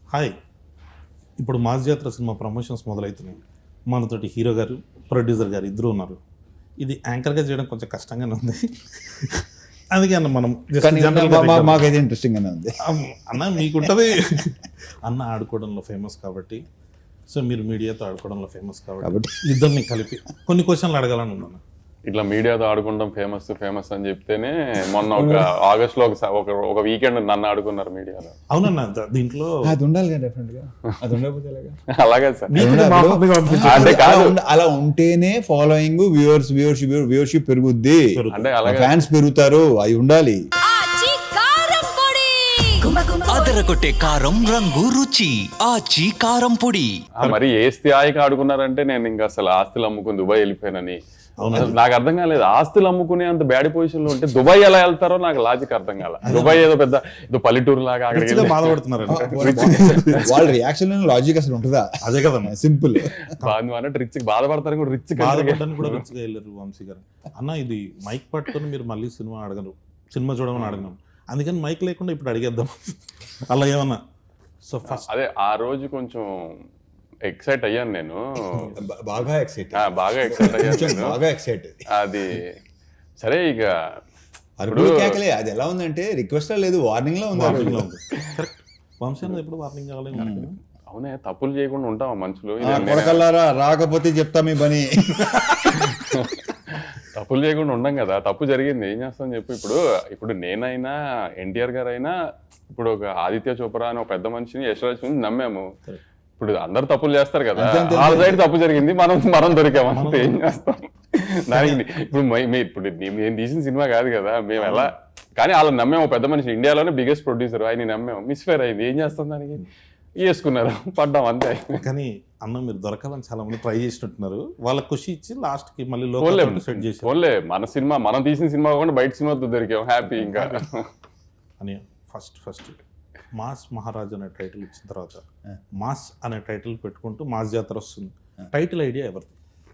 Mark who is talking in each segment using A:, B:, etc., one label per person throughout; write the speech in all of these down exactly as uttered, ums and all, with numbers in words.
A: Hi, ఇప్పుడు mass జాతర cinema promotions మొదలవుతున్నాయి. మనతోటి హీరో గారు, ప్రొడ్యూసర్ గారు ఇద్దరు ఉన్నారు. ఇది యాంకర్గా చేయడం కొంచెం కష్టంగానే ఉంది. అందుకే అన్న మనం
B: మాకైతే ఇంట్రెస్టింగ్గానే ఉంది.
A: అన్న మీకుంటుంది అన్న ఆడుకోవడంలో ఫేమస్ కాబట్టి, సో మీరు మీడియాతో ఆడుకోవడంలో ఫేమస్ కాబట్టి ఇద్దరిని కలిపి కొన్ని క్వశ్చన్లు అడగాలని ఉన్నాను.
C: ఇట్లా మీడియాతో ఆడుకుంటాం ఫేమస్ ఫేమస్ అని చెప్తేనే మొన్న ఒక ఆగస్ట్ లో ఒక ఒక వీకెండ్ నన్ను ఆడుకున్నారు మీడియాలో.
A: అవునన్నా, దీంట్లో
B: అది ఉండాలి కదా, డెఫినెట్ గా అది ఉండకపోతే
C: అలాగే సార్.
B: అంటే కాదు, అలా ఉంటేనే ఫాలోయింగ్, వ్యూవర్స్ వ్యూవర్షిప్ వ్యూవర్షిప్ పెరుగుద్ది,
C: అంటే అలాగే
B: ఫ్యాన్స్ పెరుగుతారు, అవి ఉండాలి.
D: అదరగొట్టే కారం రంగు రుచి ఆచి కారం పొడి.
C: మరి ఏ స్థాయికి ఆడుకున్నారంటే నేను ఇంకా అసలు ఆస్తులు అమ్ముకుని దుబాయ్ వెళ్ళిపోయానని. నాకు అర్థం కాలేదు, ఆస్తులు అమ్ముకునే అంత బ్యాడ్ పొజిషన్ లో ఉంటే దుబాయ్ ఎలా వెళ్తారో నాకు లాజిక్ అర్థం కాల. దుబాయ్ ఏదో పెద్ద ఏదో పల్లెటూరు లాగా అక్కడికి
A: బాధపడుతున్నారు.
B: వాళ్ళ రియాక్షన్ లాజిక్ అసలు ఉంటుందా?
A: అదే కదా
B: సింపుల్.
C: అన్నట్టు రిచ్ బాధపడతారు కూడా, రిచ్
A: బాధపడడానికి కూడా రిచ్గా వెళ్ళారు వంశీ గారు. అన్న ఇది మైక్ పట్టుకొని మీరు మళ్ళీ సినిమా అడగరు, సినిమా చూడమని అడగను, అందుకని మైక్ లేకుండా ఇప్పుడు అడిగేద్దాం అలా ఏమన్నా. సో ఫస్ట్
C: అదే ఆ రోజు కొంచెం ఎక్సైట్ అయ్యాను నేను,
B: బాగా ఎక్సైట్
C: బాగా ఎక్సైట్ అయ్యాను
B: బాగా ఎక్సైట్.
C: అది సరే, ఇక
B: అరుపులు కేకలే. అది ఎలా ఉందంటే రిక్వెస్ట్ లేదు, వార్నింగ్ లో ఉంది.
A: వంశీ అన్నది ఎప్పుడు వార్నింగ్ కావాలి.
C: అవునే, తప్పులు చేయకుండా ఉంటాం మనుషులు.
B: కొడకల్లారా రాకపోతే చెప్తా మీ పని.
C: తప్పులు చేయకుండా ఉండం కదా, తప్పు జరిగింది ఏం చేస్తాం చెప్పు. ఇప్పుడు ఇప్పుడు నేనైనా ఎన్టీఆర్ గారు అయినా ఇప్పుడు ఒక ఆదిత్య చోప్రా అని ఒక పెద్ద మనిషిని, యశ్వరాజ్ నమ్మాము. ఇప్పుడు అందరు తప్పులు చేస్తారు కదా, వాళ్ళ సైడ్ తప్పు జరిగింది, మనం మనం దొరికాము అంతే, ఏం చేస్తాం దానికి. ఇప్పుడు ఇప్పుడు మేము తీసిన సినిమా కాదు కదా, మేము ఎలా కానీ వాళ్ళని నమ్మాము. పెద్ద మనిషి, ఇండియాలోనే బిగ్గెస్ట్ ప్రొడ్యూసర్, ఆయన నమ్మాము. మిస్ఫేర్ అయింది, ఏం చేస్తాం దానికి, వేసుకున్నారు, పడ్డాం అంతే.
A: కానీ అన్న మీరు దొరకాలని చాలా మంది ట్రై చేసినట్టున్నారు, వాళ్ళకి ఖుషి ఇచ్చి లాస్ట్ కి మళ్ళీ లోకల్ సెట్ చేసి
C: ఓన్లే మన సినిమా, మనం తీసిన సినిమా కాకుండా బయట సినిమాతో దొరికాం, హ్యాపీ. ఇంకా
A: అని ఫస్ట్ ఫస్ట్ మాస్ మహారాజ్ అనే టైటిల్ ఇచ్చిన తర్వాత మాస్ అనే టైటిల్ పెట్టుకుంటూ మాస్ జాతర వస్తుంది. టైటిల్ ఐడియా ఎవరిది?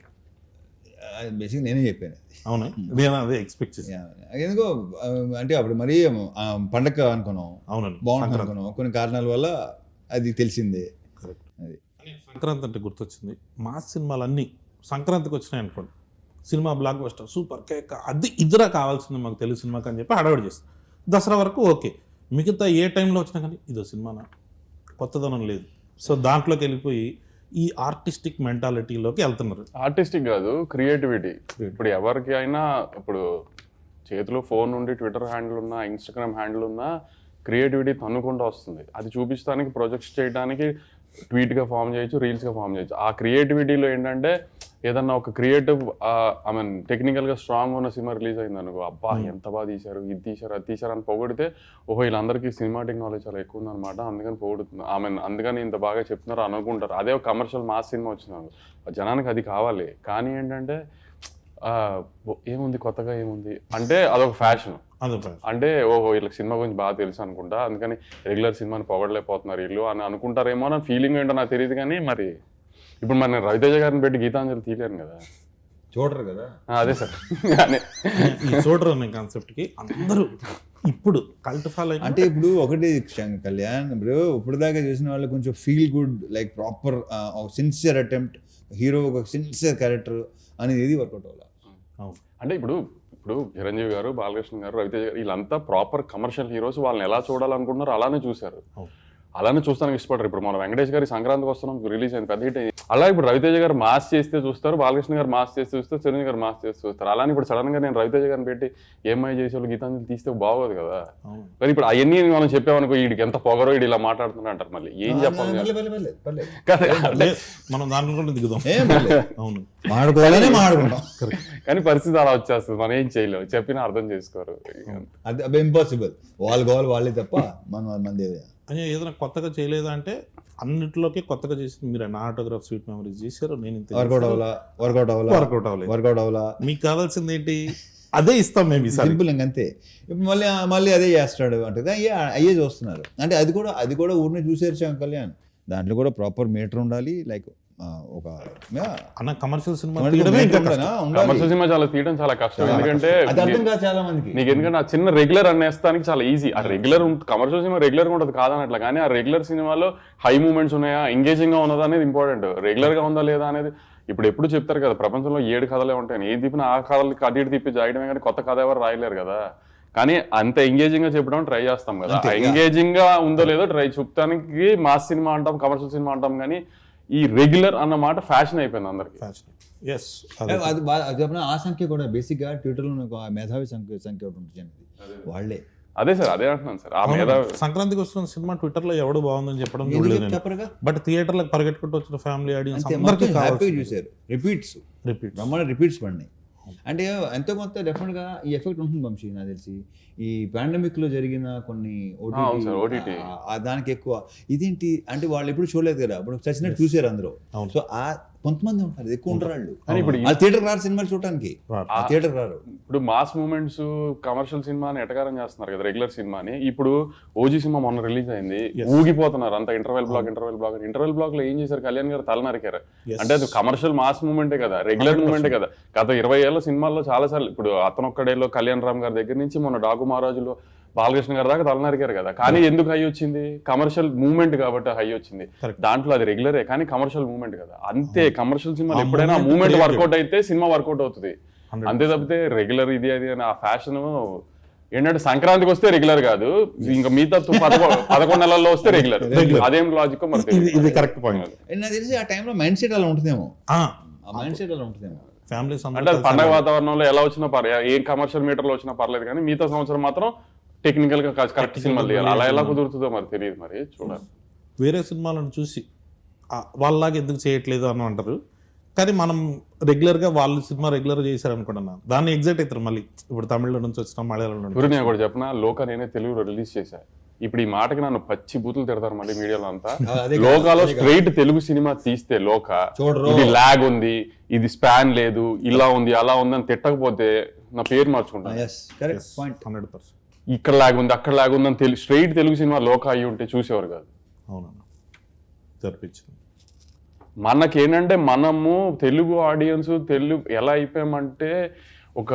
B: బేసిక్ నేనే చెప్పాను.
A: అవునా, నేను అదే ఎక్స్పెక్ట్ చేశాను.
B: ఎందుకో అంటే అప్పుడు మరీ పండగ అనుకున్నాం, అవునండి బాగుంటుంది అనుకున్నాం, కొన్ని కారణాల వల్ల అది తెలిసిందే. అది
A: సంక్రాంతి అంటే గుర్తొచ్చింది, మాస్ సినిమాలన్నీ సంక్రాంతికి వచ్చినాయి అనుకోండి, సినిమా బ్లాక్ బస్టర్ సూపర్ కేక్ అది ఇద్దరా కావాల్సింది మాకు తెలుగు సినిమాకి అని చెప్పి హడావిడి చేస్తాం. దసరా వరకు ఓకే, మిగతా ఏ టైంలో వచ్చినా కానీ ఇదో సినిమానా, కొత్తదనం లేదు. సో దాంట్లోకి వెళ్ళిపోయి ఈ ఆర్టిస్టిక్ మెంటాలిటీలోకి వెళ్తున్నారు.
C: ఆర్టిస్టిక్ కాదు, క్రియేటివిటీ. ఇప్పుడు ఎవరికి అయినా ఇప్పుడు చేతిలో ఫోన్ ఉండి ట్విట్టర్ హ్యాండిల్ ఉన్నా, ఇన్స్టాగ్రామ్ హ్యాండిల్ ఉన్నా, క్రియేటివిటీ తన్నుకుంటూ వస్తుంది. అది చూపించడానికి, ప్రొజెక్ట్స్ చేయడానికి ట్వీట్గా ఫామ్ చేయొచ్చు, రీల్స్గా ఫామ్ చేయొచ్చు. ఆ క్రియేటివిటీలో ఏంటంటే ఏదన్నా ఒక క్రియేటివ్ ఐ మీన్ టెక్నికల్గా స్ట్రాంగ్ ఉన్న సినిమా రిలీజ్ అయింది అనుకో, అబ్బా ఎంత బాగా తీశారు, ఇది తీశారు, అది తీశారు అని పొగిడితే, ఓహో వీళ్ళందరికీ సినిమాటిక్ నాలెడ్జ్ చాలా ఎక్కువ ఉందన్నమాట, అందుకని పొగుడుతుంది, ఐ మీన్ అందుకని ఇంత బాగా చెప్తున్నారు అనుకుంటారు. అదే ఒక కమర్షియల్ మాస్ సినిమా వచ్చింది, జనానికి అది కావాలి. కానీ ఏంటంటే ఏముంది కొత్తగా, ఏముంది అంటే అదొక ఫ్యాషన్. అంటే ఓహో వీళ్ళకి సినిమా గురించి బాగా తెలుసు అనుకుంటా, అందుకని రెగ్యులర్ సినిమాని పొగడలేకపోతున్నారు వీళ్ళు అని అనుకుంటారేమో అని ఫీలింగ్ ఏంటో నాకు తెలియదు. కానీ మరి ఇప్పుడు మరి నేను రవితేజ గారిని పెట్టి గీతాంజలి తీయలేను కదా,
B: చూడరు కదా.
C: అదే సార్,
A: చూడరు అనే కాన్సెప్ట్కి అందరూ ఇప్పుడు కల్ట్ ఫాలో.
B: అంటే ఇప్పుడు ఒకటి కళ్యాణ్, ఇప్పుడు ఇప్పుడు దాకా చేసిన వాళ్ళు కొంచెం feel good, like proper sincere attempt, hero ఒక సిన్సియర్ క్యారెక్టర్ అనేది ఏది వర్కౌట్ అవ్వాలి.
C: అంటే ఇప్పుడు ఇప్పుడు చిరంజీవి గారు, బాలకృష్ణ గారు, రవితేజ గారు వీళ్ళంతా ప్రాపర్ కమర్షియల్ హీరోస్, వాళ్ళని ఎలా చూడాలనుకుంటున్నారు అలానే చూశారు, అలానే చూస్తానికి ఇష్టపడరు. ఇప్పుడు మన వెంకటేష్ గారి సంక్రాంతికి వస్తున్నాం రిలీజ్ అయింది, పెద్ద హిట్ అయింది. అలా ఇప్పుడు రవితేజ గారు మాస్ చేస్తే చూస్తారు, బాలకృష్ణ గారు మాస్ చేస్తే చూస్తారు, చిరంజీవి గారు మాస్ చేస్తే చూస్తారు. అలానే ఇప్పుడు సడన్ గా నేను రవితేజ గారిని పెట్టి ఏమై చేసే వాళ్ళు గీతాంజలి తీస్తే బాగోదు కదా. కానీ ఇప్పుడు అవన్నీ మనం చెప్పామనుకో, వీడికి ఎంత పొగరో, వీడు ఇలా మాట్లాడుతున్నా అంటారు, మళ్ళీ ఏం చెప్పాలి
A: మనం దాంట్లో దిగుదాం. అవును,
B: మాట్లాడుకోవాలనే మాట్లాడుకుంటాం,
C: కానీ పరిస్థితి అలా వచ్చేస్తుంది, మనం ఏం చేయలేము, చెప్పినా అర్థం చేసుకోరు.
B: అది ఇంపాసిబుల్, వాళ్ళు కావాలి వాళ్ళే తప్ప మనం మంది
A: అని ఏదైనా కొత్తగా చేయలేదా అంటే అన్నింటిలోకి కొత్తగా చేసి మీరు నా ఆటోగ్రాఫ్ స్వీట్ మెమరీస్ చేశారు, నేను
B: వర్కౌట్ అవ్వాలా వర్కౌట్ అవ్వాలా
A: వర్కౌట్ అవ్వలేదు
B: వర్కౌట్ అవ్వాలా
A: మీకు కావాల్సింది ఏంటి, అదే ఇస్తాం మేము,
B: సింపుల్ ఇంకంతే. ఇప్పుడు మళ్ళీ మళ్ళీ అదే చేస్తాడు అంటే అయ్యే అయ్యే చూస్తున్నారు. అంటే అది కూడా అది కూడా ఊరిని చూసేసాం కళ్యాణ్, దాంట్లో కూడా ప్రాపర్ మీటర్ ఉండాలి, లైక్ ఆ, ఒక yeah,
A: అన్న కమర్షియల్ సినిమా
B: మనకి
A: తీయడమే ఇంకా
B: ఉండాలి,
A: కష్టం.
B: ఉండాలి.
C: కమర్షియల్ సినిమా చాలా తీయడం చాలా కష్టం, ఎందుకంటే
B: అది అర్థం కాదు చాలా మందికి.
C: నీకు ఎందుకంటే ఆ చిన్న రెగ్యులర్ అనేస్తానికి చాలా ఈజీ. ఆ రెగ్యులర్ కమర్షియల్ సినిమా రెగ్యులర్ గా ఉంటుంది కాదనట్లా, కానీ ఆ రెగ్యులర్ సినిమాలో హై మూమెంట్స్ ఉన్నాయా, ఎంగేజింగ్ గా ఉన్నదా అనేది ఇంపార్టెంట్. రెగ్యులర్ గా ఉందా లేదా అనేది ఇప్పుడు ఎప్పుడు చెప్తారు కదా, ప్రపంచంలో ఏడు కథలే ఉంటాయి, ఏం తిప్పినా ఆ కథలకి అటు ఇటు తిప్పి జాయడమే, కానీ కొత్త కథ ఎవరు రాయలేరు కదా. కానీ అంత ఎంగేజింగ్ గా చెప్పడం ట్రై చేస్తాం కదా, ఎంగేజింగ్ గా ఉందో లేదో ట్రై చూపడానికి మాస్ సినిమా అంటాం, కమర్షియల్ సినిమా అంటాం, కానీ ఈ రెగ్యులర్ అన్న మాట ఫ్యాషన్ అయిపోయింది అందరికి.
A: ఎస్
B: అది బా- అది చెప్పిన ఆ సంఖ్య కూడా బేసిక్ గా ట్విట్టర్ లో నాకు ఆ మేధావి సంఖ్య సంఖ్య ఒకటి ఉంటుంది వాళ్ళే.
C: అదే సార్, అదే అంటున్నాను సార్. ఆ మీద
A: సంక్రాంతికి వస్తున్న సినిమా ట్విట్టర్ లో ఎవడు బాగుందని చెప్పడం
B: ఎందుకు
A: చూడలేదు నేను.
B: చెప్పరుగా
A: బట్ థియేటర్లకు పరిగెట్టుకుంటూ వచ్చిన ఫ్యామిలీ ఆడియన్స్
B: అంతే,
A: అందరికీ
B: మొత్తం హ్యాపీగా
A: కావాలి
B: చూశారు. Repeats
A: repeat.
B: బ్రహ్మాండ రిపీట్స్ పడినాయి. అంటే ఎంతో కొంత డెఫినెట్ గా ఈ ఎఫెక్ట్ ఉంటుంది వంశీ, నాకు తెలిసి ఈ పాండమిక్ లో జరిగిన కొన్ని
C: అవును sir, O T T.
B: OTT దానికి ఎక్కువ ఇదేంటి అంటే వాళ్ళు ఎప్పుడు చూడలేదు కదా, అప్పుడు చచ్చినట్టు చూసారు అందరూ.
A: అవును.
B: సో ఆ కొంతమంది ఉంటారు, ఎక్కువ ఉంటారు వాళ్ళు.
C: కానీ ఇప్పుడు ఈ-
B: వాళ్ళు థియేటర్ రారు సినిమాలు చూడటానికి,
A: రారు.
B: థియేటర్ రారు.
C: ఇప్పుడు మాస్ మూమెంట్స్ కమర్షియల్ సినిమాని ఎటకారం చేస్తున్నారు కదా రెగ్యులర్ సినిమాని. ఇప్పుడు ఓజీ సినిమా మొన్న రిలీజ్ అయింది, ఊగిపోతున్నారు అంత interval block interval block interval block లో ఏం చేశారు, కళ్యాణ్ గారు తల నరికారు.
A: Yes.
C: అంటే అది కమర్షియల్ మాస్ మూమెంటే కదా, రెగ్యులర్ మూమెంటే కదా. గత ఇరవై ఏళ్ళ సినిమాల్లో చాలా సార్లు, ఇప్పుడు అతనొక్కడేలో కళ్యాణ్ రామ్ గారి దగ్గర నుంచి మొన్న డాకు మహారాజులో బాలకృష్ణ గారి దాకా తల నరికారు కదా. కానీ ఎందుకు హై వచ్చింది, కమర్షియల్ మూమెంట్ కాబట్టి హై వచ్చింది.
A: Correct.
C: దాంట్లో అది రెగ్యులరే కానీ కమర్షియల్ మూమెంట్ కదా. అంతే, కమర్షియల్ సినిమా
A: ఆ
C: ఎప్పుడైనా
A: moment
C: మూమెంట్
A: create
C: వర్కౌట్ అయితే సినిమా వర్కౌట్ అవుతుంది.
A: hundred
C: అంతే తప్పితే రెగ్యులర్ ఇది అది అని ఆ ఫ్యాషన్ ఏంటంటే సంక్రాంతికి వస్తే రెగ్యులర్ కాదు, ఇంకా మిగతా తు- పదకొ- పదకొండు నెలల్లో వస్తే రెగ్యులర్. అదేం లాజిక్ మరి
A: ఇది ఇది కరెక్ట్ పాయింట్.
B: And నాకు తెలిసి ఆ టైంలో మైండ్ సెట్ అలా ఉంటుందేమో, ఆ మైండ్ సెట్ అలా ఉంటుందేమో.
A: ఫ్యామిలీస్
C: అంటే అది పండగ వాతావరణంలో ఎలా వచ్చినా పర్లేదు, ఏ కమర్షియల్ మీటర్లో వచ్చినా పర్లేదు, కానీ మిగతా సంవత్సరం మాత్రం టెక్నికల్ గా కరెక్ట్ సినిమాలు తీయాలి. అలా ఎలా కుదురుతుందో మరి తెలియదు, మరి చూడాలి.
A: వేరే సినిమాలను చూసి ఆ, వాళ్ళలాగా ఎందుకు చేయట్లేదు అని అంటారు, కానీ మనం రెగ్యులర్గా వాళ్ళు సినిమా రెగ్యులర్ చేశారు అనుకుంటున్నా దాన్ని ఎగ్జైట్ అవుతారు. మళ్ళీ ఇప్పుడు తమిళ నుంచి వచ్చిన మలయాళం నుంచి
C: గురు నేను కూడా చెప్పిన లోక నేనే తెలుగులో రిలీజ్ చేశా. ఇప్పుడు ఈ మాటకి నన్ను పచ్చి బూతులు తిడతారు మళ్ళీ మీడియాలో అంతా.
B: అదే కాదు,
C: లోకాలో
B: అదే కాదు.
C: స్ట్రైట్ తెలుగు సినిమా తీస్తే లోక
B: చూడరు.
C: ఇది లాగ్ ఉంది, ఇది స్పాన్ లేదు, ఇలా ఉంది అలా ఉంది అని తిట్టకపోతే నా పేరు మార్చుకుంటాను.
B: Yes correct point.
A: Hundred percent
C: ఇక్కడ లాగ్ ఉంది అక్కడ లాగ్ ఉంది అని తెలి స్ట్రైట్ తెలుగు సినిమా లోక అయ్యి ఉంటే చూసేవారు కాదు.
A: అవునన్నా జరిపించింది.
C: మనకేంటంటే మనము తెలుగు ఆడియన్స్ తెలుగు ఎలా అయిపోయామంటే ఒక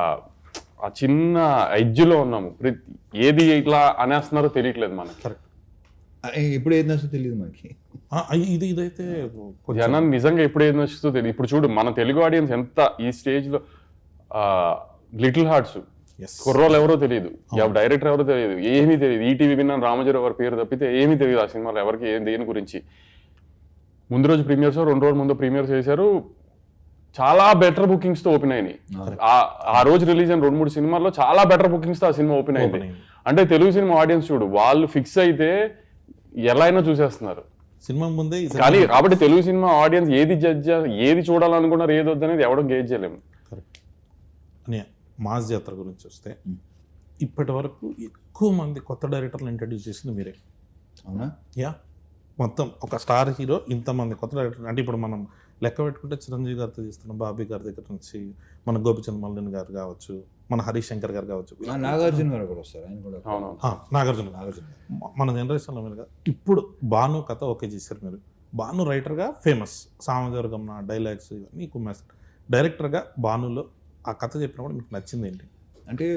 C: ఆ చిన్న ఎడ్జ్లో ఉన్నాము. ప్రతి ఏది ఇట్లా అనేస్తున్నారో తెలియట్లేదు మనకి.
A: కరెక్ట్.
B: ఇప్పుడు ఏది నచ్చో తెలియదు మనకి.
A: ఇది ఇదైతే కొంచెం
C: జనాన్ని నిజంగా ఎప్పుడు ఏది నచ్చుతో తెలియదు. ఇప్పుడు చూడు మన తెలుగు ఆడియన్స్ ఎంత ఈ స్టేజ్ లో లిటిల్ హార్ట్స్
A: yes.
C: కుర్రోలు ఎవరో తెలియదు, డైరెక్టర్ ఎవరో తెలియదు, ఏమీ తెలియదు. ఈటీవీ విన్నాను రామజీరావు గారి పేరు తప్పితే ఏమీ తెలియదు ఆ సినిమాలో ఎవరికి ఏం దేని గురించి. ముందు రోజు ప్రీమియర్స్ రెండు రోజుల ముందు ప్రీమియర్ చేశారు, చాలా బెటర్ బుకింగ్స్ తో ఓపెన్ అయినాయి. ఆ- ఆ రోజు రిలీజ్ అయిన రెండు మూడు సినిమాల్లో చాలా బెటర్ బుకింగ్స్ తో ఆ సినిమా ఓపెన్ అయింది.
A: Open అయింది.
C: అంటే తెలుగు సినిమా ఆడియన్స్ చూడు వాళ్ళు ఫిక్స్ అయితే ఎలా అయినా చూసేస్తున్నారు.
A: సినిమా ముందే ఈ
C: కానీ కాబట్టి తెలుగు సినిమా ఆడియన్స్ ఏది జడ్జ్ ఏది చూడాలనుకున్నారు ఏది వద్దనేది ఎవడో గేజ్ చేయలేము.
A: కరెక్ట్. అని మాస్ జాతర గురించి వస్తే ఇప్పటి వరకు ఎక్కువ మంది కొత్త డైరెక్టర్లు ఇంట్రడ్యూస్ చేసింది మీరే.
B: అవునా?
A: యా మొత్తం ఒక స్టార్ హీరో ఇంతమంది కొత్త డైరెక్టర్ అంటే ఇప్పుడు మనం లెక్క పెట్టుకుంటే చిరంజీవి గారితో తీస్తున్నాం, బాబీ గారి దగ్గర నుంచి మన గోపిచంద్ మల్లిన్ గారు కావచ్చు, మన హరీష్ శంకర్ గారు కావచ్చు,
B: ఆ, నాగార్జున గారు కూడా వస్తారు, ఆయన కూడా.
C: అవును.
A: ఆ, నాగార్జున గారు.
B: నాగార్జున గారు.
A: మ- మన జనరేషన్లో మీరుగా ఇప్పుడు భాను కథ ఓకే చేశారు మీరు. భాను రైటర్గా ఫేమస్, సామజవర్గం డైలాగ్స్ ఇవన్నీ కుమ్మేస్తారు. డైరెక్టర్గా భానులో ఆ కథ చెప్పినప్పుడు మీకు నచ్చింది ఏంటి?
B: అంటే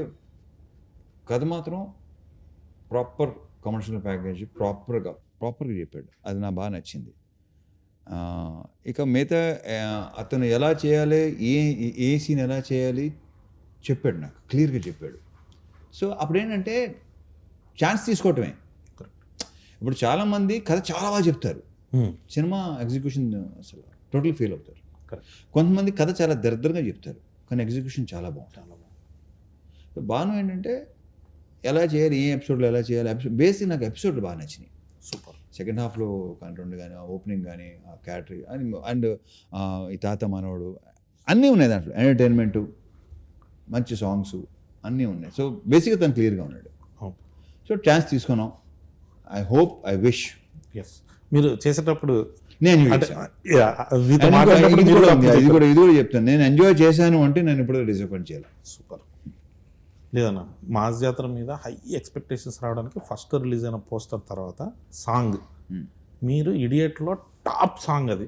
B: కథ మాత్రం ప్రాపర్ కమర్షియల్ ప్యాకేజ్ ప్రాపర్గా ప్రాపర్గా చెప్పాడు, అది నాకు బాగా నచ్చింది. ఆ, ఇక మిగతా ఆ, అతను ఎలా చేయాలి, ఏ ఏ సీన్ ఎలా చేయాలి చెప్పాడు, నాకు క్లియర్గా చెప్పాడు. సో అప్పుడు ఏంటంటే ఛాన్స్ తీసుకోవటమే. ఇప్పుడు చాలామంది కథ చాలా బాగా చెప్తారు, సినిమా ఎగ్జిక్యూషన్ అసలు టోటల్ ఫెయిల్ అవుతారు.
A: కరెక్ట్.
B: కొంతమంది కథ చాలా దరిద్రంగా చెప్తారు కానీ ఎగ్జిక్యూషన్ చాలా బాగుంటుంది. చాలా బాగుంది. సో బాను ఏంటంటే ఎలా చేయాలి, ఏ ఎపిసోడ్లో ఎలా చేయాలి, ఎపిసోడ్ బేసిక్ నాకు ఎపిసోడ్లు బాగా నచ్చినాయి.
A: సూపర్.
B: సెకండ్ హాఫ్లో కంటెంట్ కానీ ఆ ఓపెనింగ్ కానీ ఆ క్యాటరీ అని అండ్ ఈ తాత మనవడు అన్నీ ఉన్నాయి దాంట్లో, ఎంటర్టైన్మెంటు మంచి సాంగ్స్ అన్నీ ఉన్నాయి. సో బేసిక్గా తను క్లియర్గా ఉన్నాడు. సో ఛాన్స్ తీసుకున్నాం. I hope I wish
A: yes మీరు చేసేటప్పుడు
B: నేను
A: అంటే
B: చేశాను.
A: yeah, మీతో
B: And ఇంకో-
A: మాట్లాడినప్పుడు
B: ఇది
A: మీరు
B: కూడా
A: కూడా
B: ఉంది, ఇది కూడా ఇది కూడా చెప్తాను, నేను ఎంజాయ్ చేశాను అంటే నేను ఇప్పుడు డిసప్పాయింట్ చేయాలి.
A: సూపర్. లేదన్నా మాస్ జాతర మీద హై ఎక్స్పెక్టేషన్స్ రావడానికి ఫస్ట్ రిలీజ్ అయిన పోస్టర్ తర్వాత సాంగ్ మీరు ఇడియట్లో టాప్ సాంగ్ అది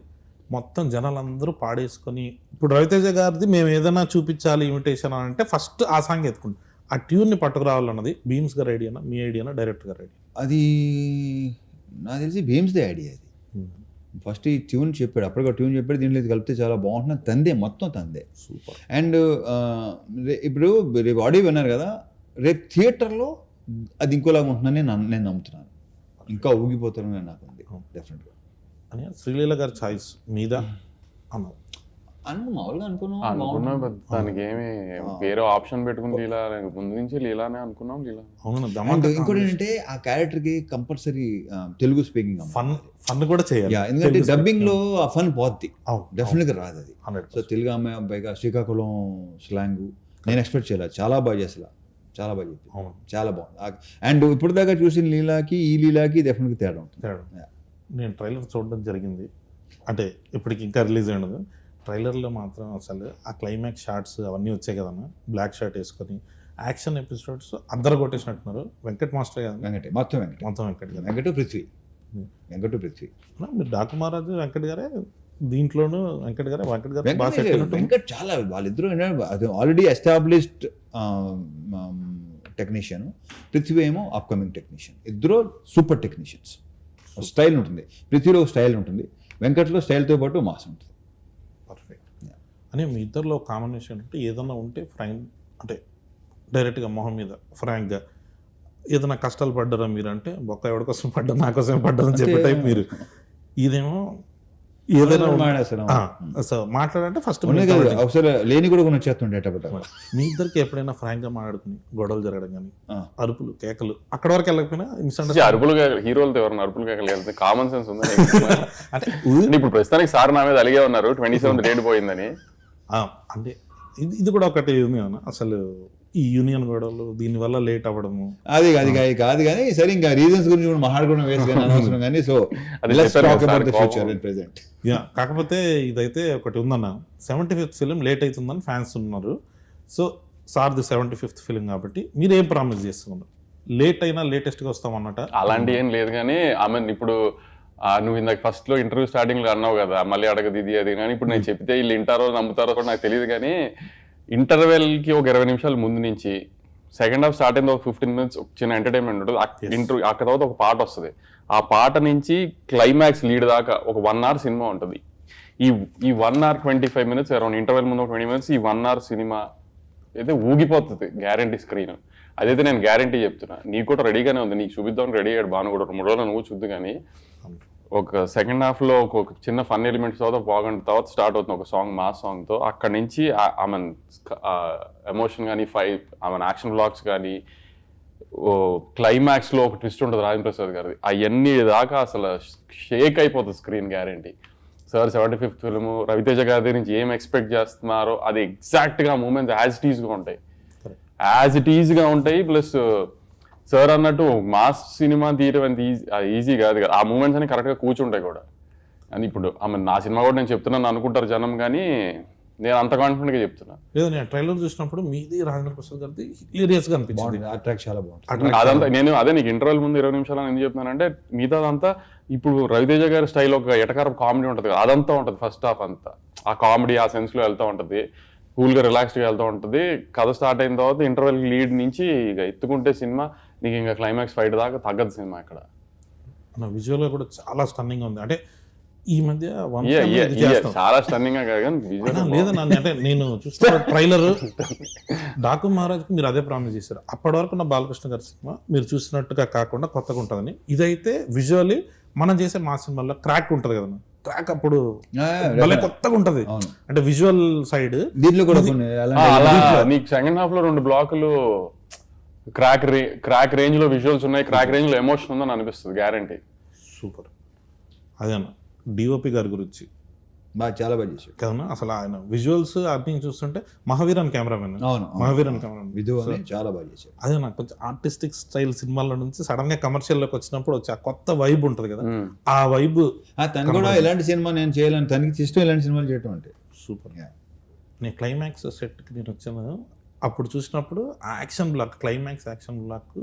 A: మొత్తం జనాలందరూ పాడేసుకొని ఇప్పుడు రవితేజ గారిది మేము ఏదైనా చూపించాలి ఇమిటేషన్ అని అంటే ఫస్ట్ ఆ సాంగ్ ఎత్తుకుంటాం. ఆ ట్యూన్ని పట్టుకురావాలన్నది భీమ్స్ గారి ఐడియానా మీ ఐడియానా డైరెక్టర్ గారి ఐడియా?
B: అది నాకు తెలిసి భీమ్స్దే ఐడియా అది. ఫస్ట్ ఈ ట్యూన్ చెప్పాడు, అప్పటికే ట్యూన్ చెప్పాడు, దీంట్లో ఇది కలిపితే చాలా బాగుంటుంది, తందే మొత్తం తందే.
A: సూపర్.
B: అండ్ ఇప్పుడు రేపు ఆడియో విన్నారు కదా, రేపు థియేటర్లో అది ఇంకోలాగా ఉంటుందని నేను నేను నమ్ముతున్నాను. ఇంకా ఊగిపోతారని నాకు ఉంది డెఫినెట్గా.
A: అని శ్రీలీల గారి చాయిస్ మీద అన్నారు
B: అను మామూలుగా అనుకున్నాం
C: అనుకున్నాం పెద్ద దానికి ఏమి వేరే ఆప్షన్ పెట్టుకుని లీలా ముందు నుంచి లీలానే అనుకున్నాం. లీలా
B: అండ్ ఇంకోటి ఏంటంటే ఆ క్యారెక్టర్కి compulsory Telugu speaking
A: fun fun కూడా చేయాలి.
B: ఎందుకంటే డబ్బింగ్ లో ఆ ఫన్ పోద్ది,
A: అవును,
B: డెఫినెట్గా రాదు అది. సో తెలుగు అమ్మాయి అబ్బాయిగా శ్రీకాకుళం స్లాంగ్ నేను ఎక్స్పెక్ట్ చేయలేదు, చాలా బాగా చేసలా, చాలా బాగా చెప్పి, చాలా బాగుంది. అండ్ ఇప్పుడు దాకా చూసిన లీలాకి ఈ లీలాకి డెఫినెట్గా తేడా ఉంటుంది.
A: నేను ట్రైలర్ చూడడం జరిగింది, అంటే ఇప్పటికి ఇంకా రిలీజ్ అయినది. ట్రైలర్లో మాత్రం అసలు ఆ క్లైమాక్స్ షార్ట్స్ అవన్నీ వచ్చాయి కదన్నా, బ్లాక్ షర్ట్ వేసుకొని యాక్షన్ ఎపిసోడ్స్ అందరు కొట్టేసినట్టున్నారు. వెంకట్ మాస్టర్ కదా,
B: వెంకటే మొత్తం వెంకట
A: మొత్తం వెంకట్ గారు,
B: వెంకట పృథ్వీ, వెంకట పృథ్వీ.
A: మీరు డాకు మహారాజు వెంకట్ గారే, దీంట్లోనూ వెంకట్ గారే. వెంకట్ గారు
B: వెంకట్ చాలా వాళ్ళిద్దరూ ఆల్రెడీ ఎస్టాబ్లిష్డ్ టెక్నీషియన్, పృథ్వీ ఏమో అప్కమింగ్ టెక్నీషియన్. ఇద్దరు సూపర్ టెక్నీషియన్స్. స్టైల్ ఉంటుంది, పృథ్వీలో స్టైల్ ఉంటుంది, వెంకట్లో స్టైల్తో పాటు మాస్ ఉంటుంది.
A: పర్ఫెక్ట్. అని మీ ఇద్దరిలో కాంబినేషన్ అంటే ఏదన్నా ఉంటే ఫ్రాంక్ అంటే డైరెక్ట్గా మొహం మీద ఫ్రాంక్గా ఏదైనా కష్టాలు పడ్డారా మీరు అంటే, బొక్క ఎవరి కోసం పడ్డా నా కోసమే పడ్డారని చెప్పే టైప్ మీరు. ఇదేమో ఏదైనా మాట్లాడంటే ఫస్ట్
B: అవసరం లేని కూడా కొన్ని వచ్చేస్తుండేటప్పుడు.
A: మీ ఇద్దరికి ఎప్పుడైనా ఫ్రాంక్ గా మాట్లాడుకుని గొడవలు జరగడం కానీ, అరుపులు కేకలు అక్కడ వరకు వెళ్ళకపోయినా ఇన్స్టెంట్
C: అరుపులు హీరోలతో ఎవరైనా అరుపులు కేకలు వెళ్తే కామన్ సెన్స్ ఉందని అంటే ఇప్పుడు ప్రస్తుతానికి సార్ నా మీద అలిగే ఉన్నారు ట్వంటీ సెవెంత్ డేట్ పోయిందని.
A: అంటే ఇది ఇది కూడా ఒకటి ఉంది అన్న, అసలు ఈ యూనియన్ గొడవలు దీనివల్ల లేట్ అవ్వడము
B: అది అది కాదు కానీ సరే, ఇంకా రీజన్స్ గురించి కూడా మాట్లాడుకోవడం వేస్ట్ అనవసరం కానీ. సో ప్రెసెంట్
A: యా, కాకపోతే ఇదైతే ఒకటి ఉందన్న, సెవెంటీ ఫిఫ్త్ ఫిలిం లేట్ అవుతుందని ఫ్యాన్స్ ఉన్నారు. So sir the seventy fifth film కాబట్టి మీరు ఏం ప్రామిస్ చేస్తున్నారు? లేట్ అయినా లేటెస్ట్గా వస్తామన్నట
C: అలాంటి ఏం లేదు కానీ ఆమె ఇప్పుడు నువ్వు ఇందాక ఫస్ట్ లో ఇంటర్వ్యూ స్టార్టింగ్ లో అన్నావు కదా, మళ్ళీ అడగదు ఇది అది కానీ, ఇప్పుడు నేను చెప్తే వీళ్ళు వింటారో నమ్ముతారో కూడా నాకు తెలియదు కానీ, ఇంటర్వెల్కి ఒక ఇరవై నిమిషాల ముందు నుంచి సెకండ్ హాఫ్ స్టార్ట్ అయింది, ఒక ఫిఫ్టీన్ మినిట్స్ చిన్న ఎంటర్టైన్మెంట్ ఉంటుంది. ఇంటర్వ్యూ అక్కడ తర్వాత ఒక పాట వస్తుంది, ఆ పాట నుంచి క్లైమాక్స్ లీడ్ దాకా ఒక వన్ అవర్ సినిమా ఉంటుంది. ఈ ఈ one hour twenty five minutes around interval ముందు ఒక ట్వంటీ మినిట్స్ ఈ వన్ అవర్ సినిమా అయితే ఊగిపోతుంది గ్యారంటీ స్క్రీన్. అదైతే నేను గ్యారంటీ చెప్తున్నా. నీకు కూడా రెడీగానే ఉంది, నీకు చూపిద్దాం రెడీ అయ్యాడు బాను కూడా, మూడు రోజులు నువ్వు చూద్దు కానీ ఒక సెకండ్ హాఫ్ లో ఒక చిన్న ఫన్ ఎలిమెంట్స్ తర్వాత బాగుంటుంది, తర్వాత స్టార్ట్ అవుతుంది ఒక సాంగ్ మాస్ సాంగ్ తో. అక్కడ నుంచి ఆమె ఎమోషన్ కానీ ఫైట్ ఆమె యాక్షన్ బ్లాక్స్ కానీ క్లైమాక్స్ లో ఒక ట్విస్ట్ ఉంటుంది రాజేంద్ర ప్రసాద్ గారిది, అవన్నీ దాకా అసలు షేక్ అయిపోతుంది screen guarantee. Sir seventy fifth film Ravi Teja గారి నుంచి ఏం ఎక్స్పెక్ట్ చేస్తున్నారో అది ఎగ్జాక్ట్ గా మూమెంట్స్ యాజ్ ఇట్ ఈజ్ గా ఉంటాయి, యాజ్ ఇట్ ఈజ్ గా ఉంటాయి. ప్లస్ సార్ అన్నట్టు మాస్ సినిమా తీయడం అంత ఈజీ ఈజీ కాదు కదా, ఆ మూమెంట్స్ అని కరెక్ట్గా కూర్చుంటాయి కూడా. అని ఇప్పుడు ఆమె నా సినిమా కూడా నేను చెప్తున్నాను అనుకుంటారు జనం, కానీ నేను అంత కాన్ఫిడెంట్ గా చెప్తున్నా.
A: లేదు, నేను ట్రైలర్ చూసినప్పుడు మీది రాజేంద్ర ప్రసాద్ గారిది హిలేరియస్ గా అనిపించింది,
B: చాలా బాగుంది
C: అదంతా. నేను అదే నీకు ఇంటర్వెల్ ముందు ఇరవై నిమిషాలు ఎందుకు చెప్తున్నానంటే, మిగతా అదంతా ఇప్పుడు రవితేజ గారి స్టైల్ ఒక ఎటకారం కామెడీ ఉంటుంది కదా, అదంతా ఉంటుంది ఫస్ట్ హాఫ్ అంతా. ఆ కామెడీ ఆ సెన్స్ లో వెళ్తూ ఉంటుంది, కూల్గా రిలాక్స్డ్గా వెళ్తూ ఉంటుంది. కథ స్టార్ట్ అయిన తర్వాత ఇంటర్వెల్ లీడ్ నుంచి ఇక ఎత్తుకుంటే సినిమా నీకు ఇంకా క్లైమాక్స్ ఫైట్ దాకా తగ్గదు సినిమా. ఇక్కడ
A: విజువల్ గా కూడా చాలా స్టన్నింగ్ ఉంది. అంటే ఈ మధ్య
C: చాలా స్టన్నింగ్ గా కాదు
A: లేదన్నా, అంటే నేను చూస్తున్న ట్రైలర్ డాకు మహారాజ్కి మీరు అదే ప్రామిస్ చేశారు. అప్పటి వరకు నా బాలకృష్ణ గారి సినిమా మీరు చూసినట్టుగా కాకుండా కొత్తగా ఉంటుందని. ఇదైతే విజువల్లీ మనం చేసే మా సినిమాలో క్రాక్ ఉంటుంది కదన్నా, క్రాక్ అప్పుడు భలే కొత్తగా ఉంటది. అంటే విజువల్ సైడ్
B: దీంట్లో కూడా
C: నీకు సెకండ్ హాఫ్ లో రెండు బ్లాకులు క్రాక్ రే క్రాక్ రేంజ్ లో విజువల్స్ ఉన్నాయి, క్రాక్ రేంజ్ లో ఎమోషన్ ఉందని అనిపిస్తుంది గ్యారంటీ.
A: సూపర్. అదేనా డిఓపి గారి గురించి
B: బాగా చాలా బాగా చేశాడు
A: కదన్నా. అసలు ఆయన విజువల్స్ అన్ని చూస్తుంటే మహావీరన్ కెమెరామెన్, మహావీరన్ కెమెరామెన్
B: చాలా బాగా చేశాడు.
A: అదే నాకు కొంచెం ఆర్టిస్టిక్ స్టైల్ సినిమాల నుంచి సడన్ గా కమర్షియల్ లోకి వచ్చినప్పుడు వచ్చి ఆ కొత్త వైబ్ ఉంటది కదా, ఆ వైబ్.
B: తను కూడా ఎలాంటి సినిమా నేను చేయాలని తనకి ఇష్టం ఇలాంటి సినిమాలు చేయటం అంటే.
A: సూపర్. నేను క్లైమాక్స్ సెట్కి నేను వచ్చాను, అప్పుడు చూసినప్పుడు ఆ action block climax action block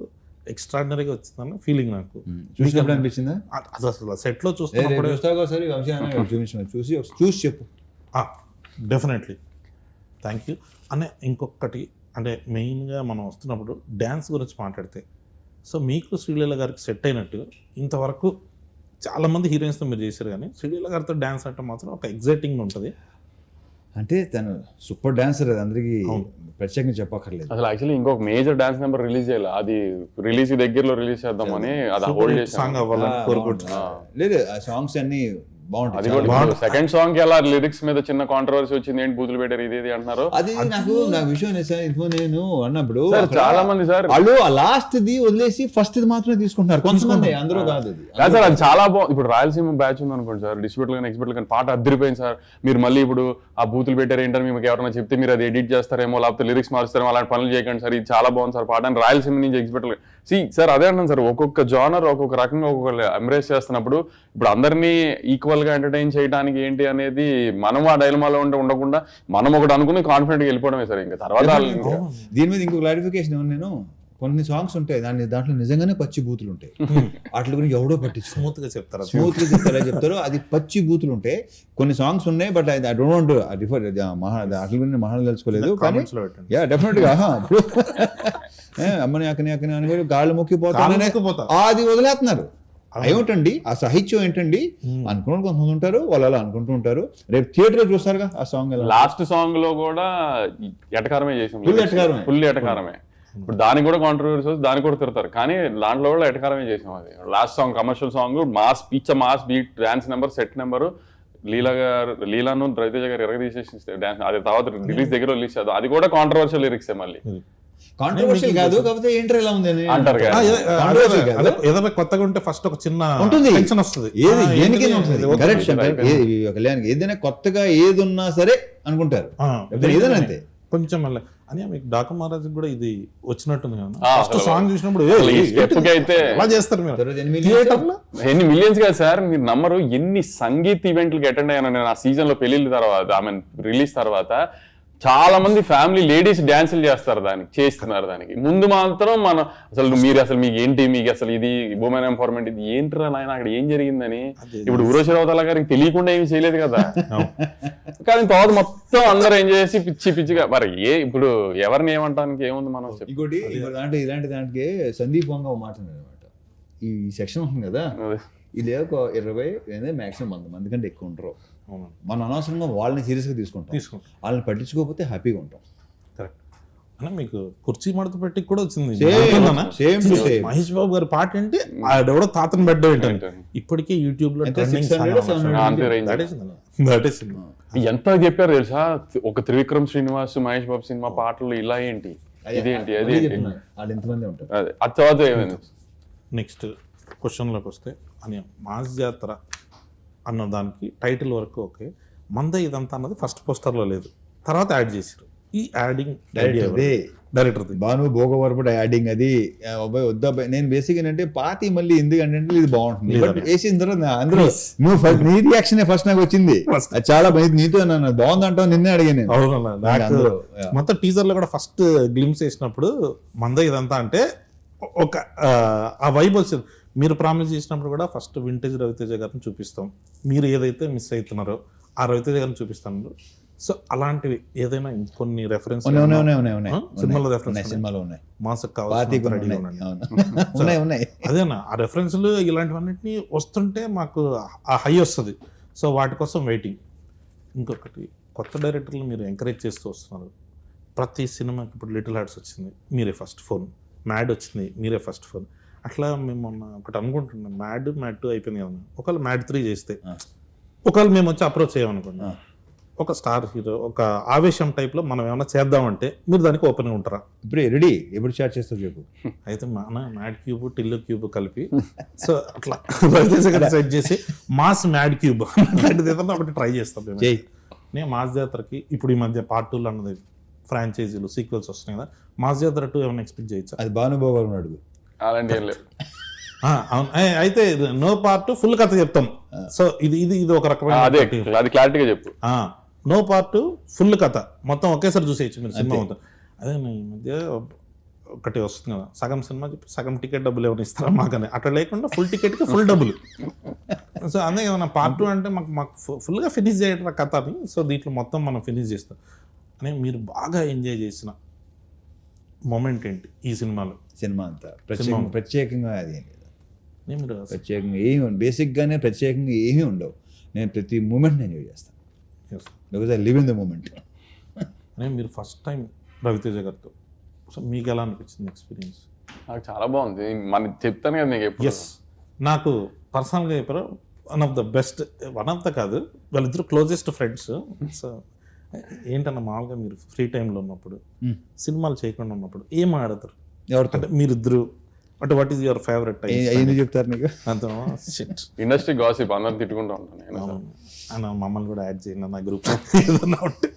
A: ఎక్స్ట్రాడినరీగా వచ్చిందని ఫీలింగ్ నాకు.
B: చూసినప్పుడు అనిపించిందా?
A: అ- అది అసలు సెట్లో
B: ఏ, రేపు
A: చూస్తున్నప్పుడు
B: చూస్తావు ఒకసారి వంశీ అన్న చూపించిన చూసి ఒకసారి చూసి చెప్పు.
A: Definitely thank you. అనే ఇంకొకటి అంటే మెయిన్గా మనం వస్తున్నప్పుడు డ్యాన్స్ గురించి మాట్లాడితే, సో మీకు శ్రీలీల గారికి సెట్ అయినట్టు ఇంతవరకు చాలామంది హీరోయిన్స్తో మీరు చేశారు, కానీ శ్రీలీల గారితో డ్యాన్స్ అంటే మాత్రం ఒక ఎగ్జైటింగ్ ఉంటుంది.
B: అంటే తను సూపర్ డాన్సర్, అది అందరికీ ప్రత్యేకంగా చెప్పక్కర్లేదు.
C: అసలు యాక్చువల్లీ ఇంకొక మేజర్ డాన్స్ నెంబర్ రిలీజ్ చేయాలి, అది రిలీజ్ దగ్గరలో రిలీజ్ చేద్దామని అది హోల్డ్ చేసాం.
A: సాంగ్ అవ్వాలని కోరుకుంటున్నాను.
B: లేదు ఆ సాంగ్స్ అన్ని
C: అది
B: బాగుంటాయి.
C: కూడా సెకండ్ సాంగ్ కి అలా లిరిక్స్ మీద చిన్న కాంట్రవర్సీ వచ్చింది, ఏంటి బూతులు పెట్టారు ఇది ఇది అంటున్నారు.
B: అది నాకు నా విషయం ఏంటి సార్, ఇదిగో నేను అన్నప్పుడు
C: సార్
B: అక్కడ
C: చాలా మంది సార్
B: వాళ్ళు ఆ లాస్ట్ ది వదిలేసి ఫస్ట్ ది మాత్రమే తీసుకుంటున్నారు కొంతమంది, అందరూ కాదు అది.
C: కాదు సార్, అది చాలా బాగుంది. ఇప్పుడు రాయలసీమ బ్యాచ్ ఉంది అనుకోండి సార్, డిస్ట్రిబ్యూటర్ కానీ ఎక్స్పర్ట్ కానీ పాట అద్దరిపోయింది సార్. మీరు మళ్ళీ ఇప్పుడు ఆ బూతులు పెట్టారు ఏంటని మీకు ఎవరైనా చెప్తే మీరు అది ఎడిట్ చేస్తారేమో, లేకపోతే లిరిక్స్ మారుస్తారేమో, అలాంటి పనులు చేయకండి సార్, ఇది చాలా బాగుంది సార్ పాట అని రాయలసీమ నుంచి ఎక్స్పర్ట్. సి సార్ అదే అంటాను సార్, ఒక్కొక్క జానర్ ఒక్కొక్క రకంగా ఒక్కొక్క ఎంబ్రేస్ చేస్తున్నప్పుడు ఇప్పుడు అందరినీ ఈక్వల్ గా ఎంటర్టైన్ చేయడానికి ఏంటి అనేది మనం ఆ డైలమాలో ఉంటే ఉండకుండా మనం ఒకటి అనుకుని కాన్ఫిడెంట్ గా వెళ్ళిపోవడమే సార్. ఇంకా తర్వాత
B: దీని మీద ఇంకో క్లారిఫికేషన్ ఏమన్నా, నేను కొన్ని సాంగ్స్ ఉంటాయి దాని దాంట్లో నిజంగానే పచ్చి బూతులు ఉంటాయి, వాటి గురించి ఎవడో పట్టించు
A: స్మూత్ గా చెప్తారు.
B: స్మూత్ గా చెప్తారా చెప్తారు, అది పచ్చి బూతులు ఉంటాయి. కొన్ని సాంగ్స్ ఉన్నాయి but I don't want refer మహా వాటి గురించి మహాన్ తెలుసుకోలేదు కానీ
A: Comments లో పెట్టండి.
B: యా డెఫినెట్ గా ఆహా, ఇప్పుడు ఏ, అమ్మని అక్కని అక్కని అని కూడా గాళ్ళు మొక్కిపోతారు,
A: మొక్కిపోతా.
B: అది వదిలేస్తున్నారు. ఏమిటండి ఆ సాహిత్యం ఏంటండి అనుకున్న కొంతమంది ఉంటారు, వాళ్ళు అలా అనుకుంటూ ఉంటారు. రేపు థియేటర్ లో చూస్తారుగా ఆ సాంగ్ ఎలా.
C: లాస్ట్ సాంగ్ లో కూడా ఎటకారమే చేసాం,
B: Full ఎటకారమే.
C: ఫుల్ ఎటకారమే. ఇప్పుడు దానికి కూడా కాంట్రవర్సీ దానికి కూడా తిడతారు, కానీ దాంట్లో కూడా ఎటకారమే చేసాం. అది last song commercial song, mass పిచ్చ mass beat dance number set number, Leela గారు లీలాను రవితేజ గారు ఎరగ తీసేసి డాన్స్, అది తర్వాత రిలీజ్ దగ్గర రిలీజ్ చేద్దాం, అది కూడా కాంట్రవర్షియల్ లిరిక్స్ మళ్ళీ
B: కాంట్రవర్షియల్ కాదు, కాకపోతే ఏంటర్ ఎలా ఉంది అని
C: అంటారు కదా.
A: ఆ, ఏ-
B: Controversy
A: అదే,
B: కాదు.
A: అదే, ఏదైనా కొత్తగా ఉంటే ఫస్ట్ ఒక చిన్న
B: ఉంటుంది.
A: టెన్షన్ వస్తుంది.
B: ఏది
A: ఆ,
B: దేనికైనా
A: ఏంటి?
B: ఉంటుంది.
A: ఇది
B: కరెక్ట్
A: ఓకే.
B: శంకర్. ఏ- ఈ కళ్యాణ్కి ఏదైనా కొత్తగా ఏది ఉన్నా సరే అనుకుంటారు,
A: ఆ,
B: లేకపోతే ఏదైనా అంతే.
A: కొంచెం మళ్ళీ అని మీకు డాకా మహారాజ్ కూడా ఇది వచ్చినట్టుంది కదా.
C: ఆ,
A: ఫస్ట్
C: అసలు
A: సాంగ్ చూసినప్పుడు ఏ,
C: అసలు ఈ
A: ఏ,
C: step కి అయితే
A: ఎలా చేస్తారు మీరు
B: తర్వాత ఎనిమిది
A: థియేటర్ లో?
C: ఎన్ని మిలియన్స్ కదా సార్, మీరు నమ్మరు ఎన్ని సంగీత్ ఈవెంట్లకి అటెండ్ అయ్యాను నేను ఆ సీజన్ లో పెళ్లిళ్ళ తర్వాత, ఐ మీన్ రిలీజ్ తర్వాత. చాలా మంది ఫ్యామిలీ లేడీస్ డాన్సులు చేస్తారు, దానికి చేస్తున్నారు. దానికి ముందు మాత్రం మనం అసలు మీరు అసలు మీకు ఏంటి, మీకు అసలు ఇది ఉమెన్ ఎంపవర్మెంట్ ఇది ఏంటిరా నాయన అక్కడ ఏం జరిగిందని. ఇప్పుడు ఉరోషి రౌతల గారికి తెలియకుండా ఏమి చేయలేదు కదా, కానీ తర్వాత మొత్తం అందరూ ఏం చేసి పిచ్చి పిచ్చిగా మరి ఏ ఇప్పుడు ఎవరిని ఏమంటానికి ఏముంది మనం చెప్పి.
B: ఇంకోటి ఇంకో దాంట్లో ఇలాంటి దాంట్లో సందీప్ వంగ ఒక మాట అనమాట, ఈ సెక్షన్ ఉంది కదా ఇది ఒక ఇరవై మాక్సిమం వంద మంది కంటే ఎక్కువ ఉంటారు.
A: అవును,
B: మనం అనవసరంగా వాళ్ళని సీరియస్గా తీసుకుంటాం,
A: తీసుకుంటాం.
B: వాళ్ళని పట్టించుకోకపోతే హ్యాపీగా ఉంటాం.
A: కరెక్ట్. అన్న మీకు కుర్చీ మడత పెట్టి కూడా వచ్చింది.
B: Same,
A: గుర్తుందన్నా?
B: same to same.
A: Mahesh బాబు గారి పాట ఏంటి, ఆడెవడో తాతను బెడ్ ఏంటంటే ఇప్పటికే యూట్యూబ్ లో
B: ఎంత six hundred, seven hundred?
C: అంతే range. ఎంత చెప్పారు తెలుసా, ఒక త్రివిక్రమ్ శ్రీనివాస్ మహేష్ బాబు సినిమా పాటలు ఇలా ఏంటి ఇదేంటి
B: అదే
C: అదేంటి
B: చెప్తున్నా, వాళ్ళు ఎంతమంది ఉంటారు.
C: అదే ఆ తర్వాత ఏమైంది.
A: నెక్స్ట్ క్వశ్చన్లోకి వస్తే అని మాస్ జాతర అన్న దానికి టైటిల్ వరకు ఓకే, మంద ఇదంతా అన్నది ఫస్ట్ పోస్టర్లో లేదు, తర్వాత యాడ్ చేశారు. ఈ యాడింగ్
B: డైరెక్టర్ది.
A: డైరెక్టర్ది
B: భాను భోగవరపుడు యాడింగ్ అది ఆ, అబ్బాయి వద్దా అబ్బాయి. నేను బేసిక్ ఏంటంటే పాతి మళ్ళీ ఎందుకంటే ఇది బాగుంటుంది,
A: లేదా.
B: బట్ వేసిన తర్వాత నా- అందరూ నువ్వు ఫస్ట్ నీ రియాక్షన్ ఫస్ట్ నాకు వచ్చింది,
A: First.
B: అది చాలా బాగుంది. నీతో నన్ను బాగుంది అంటావు, నిన్నే అడిగాను నేను.
A: అవునన్నా, నాకు
B: అందరూ, yeah.
A: మొత్తం టీజర్ లో కూడా ఫస్ట్ గ్లిమ్స్ వేసినప్పుడు మంద ఇదంతా అంటే ఒక ఆ, ఆ వైబ్ వచ్చింది. మీరు ప్రామిస్ చేసినప్పుడు కూడా ఫస్ట్ వింటేజ్ రవితేజ గారిని చూపిస్తాం, మీరు ఏదైతే మిస్ అవుతున్నారో ఆ రవితేజ గారిని చూపిస్తాను. సో అలాంటివి ఏదైనా ఇంకొన్ని రెఫరెన్స్
B: ఉన్నాయి, ఉన్నాయి, ఉన్నాయి, ఉన్నాయి, ఉన్నాయి.
A: సినిమాలో
B: ఉన్నాయి,
A: రెఫరెన్స్
B: సినిమాలో ఉన్నాయి,
A: మాసకు
B: పాతి
A: కావాల్సిన
B: కొన్ని
A: రెడీగా
B: ఉన్నాయి.
A: ఉండండి.
B: అవును. ఉన్నాయి ఉన్నాయి
A: అదేనా ఆ రెఫరెన్స్లు ఇలాంటివన్నిటిని వస్తుంటే మాకు ఆ హై వస్తుంది. సో వాటి కోసం వెయిటింగ్. ఇంకొకటి కొత్త డైరెక్టర్లు మీరు ఎంకరేజ్ చేస్తూ వస్తున్నారు. ప్రతి సినిమాకి ఇప్పుడు లిటిల్ హార్ట్స్ వచ్చింది, మీరే ఫస్ట్ ఫోన్. మ్యాడ్ వచ్చింది, మీరే ఫస్ట్ ఫోన్. అట్లా మేము మొన్న ఒకటి అనుకుంటున్నాం, మ్యాడ్ మ్యాడ్ టూ అయిపోయింది కదా, ఒకవేళ మ్యాడ్ త్రీ చేస్తే ఒకవేళ మేము వచ్చి అప్రోచ్ చేయమనుకున్నాం, ఒక స్టార్ హీరో ఒక ఆవేశం టైప్లో మనం ఏమైనా చేద్దామంటే మీరు దానికి ఓపెన్గా ఉంటారా?
B: ఇప్పుడు రెడీ ఎప్పుడు స్టార్ట్ చేస్తావు చెప్పు.
A: అయితే మన మ్యాడ్ క్యూబ్ టిల్లు క్యూబ్ కలిపి సో అట్లా రవితేజ గారు సెట్ చేసి మాస్ మ్యాడ్ క్యూబ్ అలాంటిది ఏదన్నా ఒకటి ట్రై చేస్తాం మేము.
B: చెయ్యి.
A: నేను మాస్ జాతరకి ఇప్పుడు ఈ మధ్య పార్ట్ టూలో అన్నది ఫ్రాంచైజీలు సీక్వెల్స్ వస్తున్నాయి కదా, మాస్ జాతర టూ ఏమైనా ఎక్స్పెక్ట్ చేయొచ్చా?
B: అది భాను భోగవరం అడుగు.
C: అలాంటి ఏం లేదు.
A: ఆ, అవును. ఏ, అయితే నో పార్ట్ ఫుల్ కథ చెప్తాం. సో ఇది ఇది ఇది ఒక
C: ఆ,
A: రకమైన
C: అదే అది క్లారిటీగా చెప్పు.
A: నో పార్ట్ ఫుల్ కథ మొత్తం ఒకేసారి చూసేయచ్చు మీరు సినిమా మొత్తం. అదే ఈ మధ్య ఒకటి వస్తుంది కదా, సగం సినిమా చెప్పి సగం టికెట్ డబ్బులు ఏమైనా ఇస్తారా మాకని, అట్లా లేకుండా ఫుల్ టికెట్కి ఫుల్ డబ్బులు. సో అందే కదా పార్ట్ టూ అంటే మాకు మాకు ఫుల్గా ఫినిష్ చేయడం కథ అని. సో దీంట్లో మొత్తం మనం ఫినిష్ చేస్తాం అని. మీరు బాగా ఎంజాయ్ చేసిన మూమెంట్ ఏంటి ఈ సినిమాలో?
B: సినిమా అంతా ప్రత్యేకంగా ప్రత్యేకంగా అది ఏం లేదు,
A: నేను మీరు
B: ప్రత్యేకంగా ఏమి ఉండదు, బేసిక్గానే ప్రత్యేకంగా ఏమీ ఉండవు. నేను ప్రతి మూమెంట్ ఎంజాయ్ చేస్తాను
A: yes.
B: Because I live in the moment.
A: అని మీరు ఫస్ట్ టైం రవితేజ గారితో, సో మీకు ఎలా అనిపించింది ఎక్స్పీరియన్స్?
C: నాకు చాలా బాగుంది. మన చెప్తాను కదా నీకు ఎప్పుడు.
A: ఎస్, నాకు పర్సనల్గా చెప్పారు one of the best, one of the కాదు వాళ్ళిద్దరు క్లోజెస్ట్ ఫ్రెండ్స్. సో ఏంటన్నా మామూలుగా మీరు ఫ్రీ టైంలో ఉన్నప్పుడు, సినిమాలు చేయకుండా ఉన్నప్పుడు ఏం ఆడతారు?
B: ఎవరితో
A: అంటే మీరిద్దరు అంటే what is your favourite time?
B: ఎందుకు చెప్తారు నీకు
A: అంత షిట్
C: ఇండస్ట్రీ గాసిప్ అందరం తిట్టుకుంటూ ఉంటాను నేను.
A: అన్న మమ్మల్ని కూడా యాడ్ చేయండి నా గ్రూప్ ఏదన్నా ఉంటే.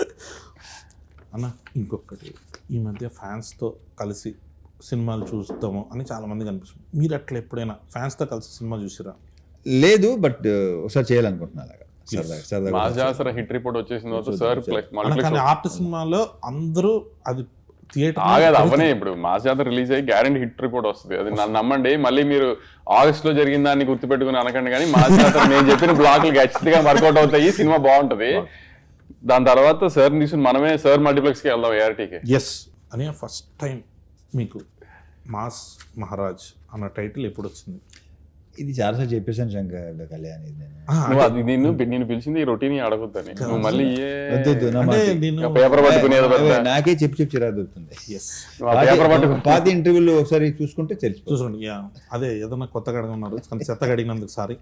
A: అన్న ఇంకొకటి, ఈ మధ్య ఫ్యాన్స్తో కలిసి సినిమాలు చూస్తాము అని చాలామంది కనిపిస్తుంది. మీరు అట్లా ఎప్పుడైనా ఫ్యాన్స్తో కలిసి సినిమా చూసిరా?
B: లేదు, బట్ ఒకసారి చేయాలనుకుంటున్నా అలాగా సరదాగా సరదాగా.
C: మాస్ జాసర హిట్ రిపోర్ట్ వచ్చేసిన తర్వాత సార్
A: అన్న కానీ ఆర్ట్ సినిమాలో అందరూ అది థియేటర్
C: ఆగదు అవనే. ఇప్పుడు మాస్ జాతర రిలీజ్ అయ్యి గ్యారెంటీ హిట్ రిపోర్ట్ వస్తుంది, అది నన్ను నమ్మండి. మళ్ళీ మీరు ఆగస్ట్ లో జరిగిన దాన్ని గుర్తుపెట్టుకుని అనకండి, కానీ మాస్ జాతర నేను చెప్పిన బ్లాక్లు ఖచ్చితంగా వర్కౌట్ అవుతాయి, సినిమా బాగుంటది. దాని తర్వాత సార్ తీసుకుని మనమే సార్ మల్టీప్లెక్స్కి వెళ్దాం ఏఆర్టీకి.
A: ఎస్ అని ఫస్ట్ టైం మీకు మాస్ మహారాజ్ అన్న టైటిల్ ఎప్పుడు వచ్చింది?
B: ఇది చాలాసార్లు చెప్పేసాను శంకర్ కళ్యాణ్, ఇది నేను
C: నువ్వు అది నిన్ను నేను పిలిచింది ఈ రొటీన్ అడగొద్దని, నువ్వు మళ్ళీ
B: వద్దు, వద్దు, నా
A: అంటే
B: మాట.
A: నేను
C: పేపర్ పట్టుకునేది
B: అవే నాకే చెప్పి చెప్పి చిరా దొరుకుతుంది.
A: ఎస్
C: పేపర్ పట్టుకుని
B: పాత ఇంటర్వ్యూలు ఒకసారి చూసుకుంటే తెలిసిపోతుంది.
A: చూసుకోండి. యా అదే ఏదన్నా కొత్తగా అడగన్నారు కానీ చెత్తగా అడిగినందుకు సారీ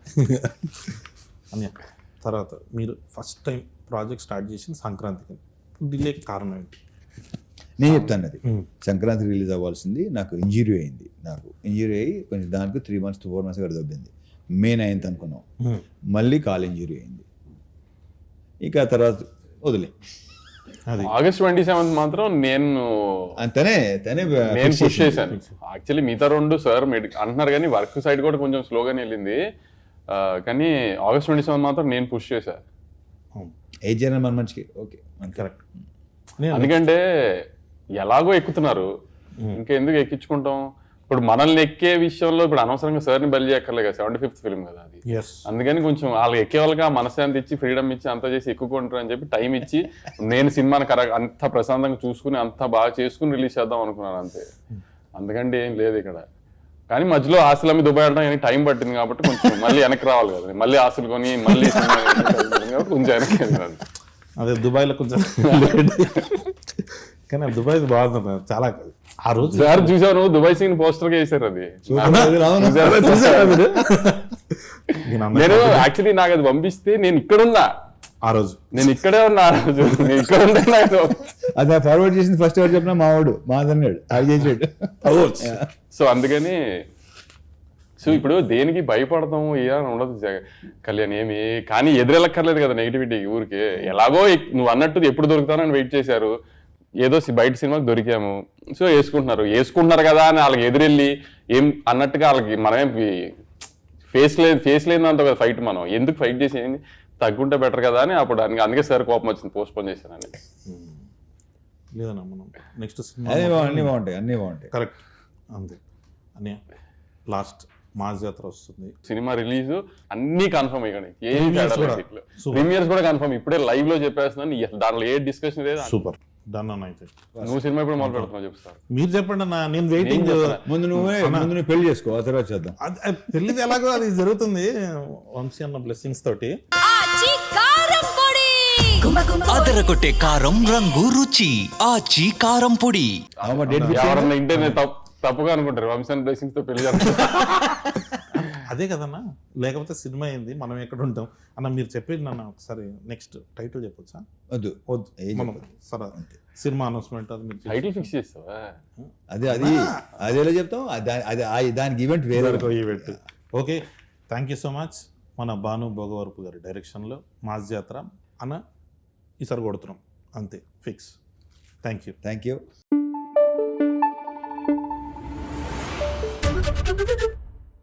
A: అని. తర్వాత మీరు ఫస్ట్ టైం ప్రాజెక్ట్ స్టార్ట్ చేసింది సంక్రాంతికి, డిలే కారణం ఏంటి?
B: నేను చెప్తాను అది. సంక్రాంతి రిలీజ్ అవ్వాల్సింది, నాకు ఇంజురీ అయింది. నాకు ఇంజురీ అయ్యి కొంచెం దానికి three months to four months కూడా దొబ్బింది. మే నైన్త్ అనుకున్నాం, మళ్ళీ కాల్ ఇంజురీ అయింది. ఇక తర్వాత వదిలే.
A: అది
C: ఆగస్ట్ ట్వంటీ సెవెంత్ మాత్రం నేను
B: తనే తనే
C: నేను పుష్ చేశాను. యాక్చువల్లీ మిగతా రెండు సార్ అంటున్నారు కానీ వర్క్ సైడ్ కూడా కొంచెం స్లోగానే వెళ్ళింది, కానీ ఆగస్ట్ ట్వంటీ సెవెంత్ మాత్రం నేను పుష్ చేశాను.
B: ఏజ్ చేయడం మన మంచికి ఓకే
A: కరెక్ట్.
C: ఎందుకంటే ఎలాగో ఎక్కుతున్నారు, ఇంకా ఎందుకు ఎక్కించుకుంటాం? ఇప్పుడు మనల్ని ఎక్కే విషయంలో ఇప్పుడు అనవసరంగా సార్ని బలి చేయక్కర్లేదు కదా, సెవెంటీ ఫిఫ్త్ ఫిల్మ్ కదా అది. అందుకని కొంచెం వాళ్ళు ఎక్కే వాళ్ళకి ఆ మనశ్శాంతి ఇచ్చి ఫ్రీడమ్ ఇచ్చి అంతా చేసి ఎక్కుకుంటారు అని చెప్పి టైం ఇచ్చి నేను సినిమాని కరెక్ట్ అంత ప్రశాంతంగా చూసుకుని అంత బాగా చేసుకుని రిలీజ్ చేద్దాం అనుకున్నాను అంతే. అందుకంటే ఏం లేదు ఇక్కడ. కానీ మధ్యలో ఆస్తులు అమ్మి దుబాయ్ వెళ్ళడం టైం పట్టింది కాబట్టి కొంచెం మళ్ళీ వెనక్కి రావాలి కదా, మళ్ళీ ఆస్తులు కొని మళ్ళీ కొంచెం వెనక్కి వెళ్ళాలి.
A: అదే దుబాయ్లో కొంచెం కానీ దుబాయ్ బాగుంది చాలా. ఆ రోజు
C: సార్ చూసాను దుబాయ్ సీన్ పోస్టర్ గా వేసారు అది. నేను యాక్చువల్లీ నాకు అది పంపిస్తే నేను ఇక్కడ ఉన్నా
A: ఆ రోజు,
C: నేను ఇక్కడే ఉన్నా ఆ రోజు, నేను ఇక్కడ ఉంటే నాకు
B: అది ఫార్వర్డ్ చేసింది ఫస్ట్ ఎవరు చెప్పినా మావాడు మాదన్నాడు అది చేసాడు.
C: సో అందుకని సో ఇప్పుడు దేనికి భయపడతాం ఏదని ఉండదు కళ్యాణ్ ఏమి, కానీ ఎదురెళ్ళక్కర్లేదు కదా నెగిటివిటీకి ఊరికి. ఎలాగో నువ్వు అన్నట్టు ఎప్పుడు దొరుకుతానని వెయిట్ చేశారు, ఏదో బయట సినిమాకి దొరికాము, సో వేసుకుంటున్నారు వేసుకుంటున్నారు కదా అని వాళ్ళకి ఎదురెళ్ళి ఏం అన్నట్టుగా వాళ్ళకి మనమేం ఫేస్ లేదు ఫేస్ లేదంత కదా ఫైట్. మనం ఎందుకు ఫైట్ చేసి ఏంది తగ్గుంటే బెటర్ కదా అని అప్పుడు అందుకే సార్ కోపం వచ్చింది, పోస్ట్ పోన్ చేశానని.
A: లేదన్నా మనం నెక్స్ట్ సినిమా
B: అన్నీ బాగుంటాయి అన్నీ బాగుంటాయి
A: కరెక్ట్ అంతే అని. లాస్ట్ మాస్ జాతర వస్తుంది,
C: సినిమా రిలీజ్ అన్ని కన్ఫర్మ్ అయ్యాయి, ఏం ప్రీమియర్స్ కూడా కన్ఫర్మ్. ఇప్పుడే లైవ్ లో చెప్పేస్తున్నాను, దాంట్లో ఏ డిస్కషన్ లేదు.
A: సూపర్ డన్ అన్న. అయితే
C: నువ్వు సినిమా ఇప్పుడు మొదలు పెడుతున్నావు చెప్తారు,
A: మీరు చెప్పండి అన్న, నేను వెయిటింగ్.
B: ముందు నువ్వే ముందు నువ్వు పెళ్లి చేసుకో, ఆ తర్వాత చేద్దాం.
A: పెళ్లిది ఎలాగో అది జరుగుతుంది వంశీ అన్న బ్లెస్సింగ్స్ తోటి.
D: అదరగొట్టే కారం రంగు రుచి ఆచి కారం పొడి.
C: ఎవరన్నా ఇంటే తప్పుగా అనుకుంటారు వంశాన్ బ్లెస్సింగ్స్ తో పెళ్లి చేస్తారు.
A: అదే కదన్నా, లేకపోతే సినిమా అయింది మనం ఎక్కడ ఉంటాం అన్న. మీరు చెప్పేది నన్ను ఒకసారి నెక్స్ట్ టైటిల్ చెప్పొచ్చా?
B: వద్దు
A: వద్దు మనం సరే సినిమా అనౌన్స్మెంట్ అది మీరు
C: టైటిల్ ఫిక్స్ చేస్తావా?
B: అదే అది అదేలా చెప్తాం, అది దానికి ఈవెంట్ వేరే
A: event. Okay, thank you so much. మన భాను భోగవరపు గారి డైరెక్షన్లో మాస్ జాతర అన్న ఈసారి కొడుతున్నాం అంతే fix. Thank you
B: thank you